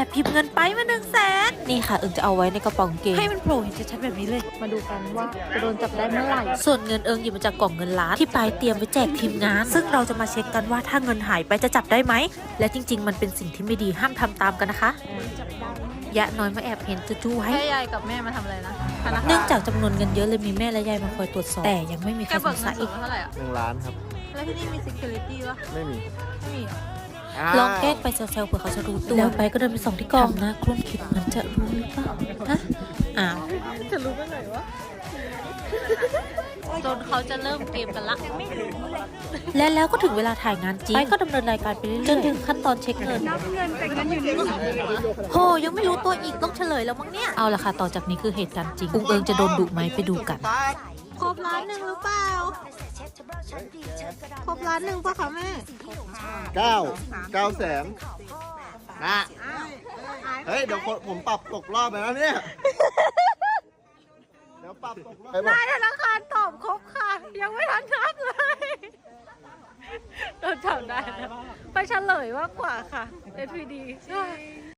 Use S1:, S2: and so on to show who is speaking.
S1: พิมพ์เงินไปมา100,000นี่ค่ะเอิงจะเอาไว้ในกระเป๋ากางเกงให้มันโผล่เห็นชัดๆแบบนี้เลย
S2: มาดูกันว่าจะโดนจับได้เมื่อไหร่
S1: ส่วนเงินเอิงหยิบมาจากกล่องเงินล้านที่ปลายเตรียมไว้แจกทีมงานซึ่งเราจะมาเช็คกันว่าถ้าเงินหายไปจะจับได้ไหมและจริงๆมันเป็นสิ่งที่ไม่ดีห้ามทำตามกันนะคะยะน้อยมาแอบเห็นจู้ๆให้
S2: ยายกับแม่มาทำอะไรนะ
S1: เนื่องจากจำนวนเงินเยอะเลยมีแม่และยายมาคอยตรวจสอบแต่ยังไม่มีใครสงสัย
S2: เท่าไหร่อ่ะ
S3: 1 ล้านครับ
S2: แล้วที่นี่มี security ป่ะ
S3: ไม่มี
S1: ลองแกล้งไปเซลล์เผื่อเขาจะรู้ตัวแล้วไปก็เดินไปส่องที่กล่องนะครุ่นคิดมันจะรู้หรือเปล่าฮะอ้าว
S2: จะรู้เมื่อไหร่วะจนเขาจะเริ่มเกมกันละ
S1: และแล้วก็ถึงเวลาถ่ายงานจริงไปก็ดำเนินรายการไปเรื่อยๆจนถึงขั้นตอนเช็คเงิน
S2: นับเงินแต่เงินอยู่นี่
S1: โหยังไม่รู้ตัวอีกต้องเฉลยแล้วมั้งเนี่ยเอาละค่ะต่อจากนี้คือเหตุการณ์จริงอุ้งเอิงจะโดนดุไหมไปดูกัน
S2: ครบล้านหนึ่งหรือเปล่าครบล้านหนึ่งป่ะคะแม่
S3: 9 แสนนะเฮ้ยเดี๋ยวผมปรับตกรอบไปแล้วเนี่ยเดี๋ยวปรับตกรอบ
S2: นายธนาคารตอบครบค่ะยังไม่ทันนับเลยโดนจับได้ไปเฉลยมากกว่าค่ะ SPD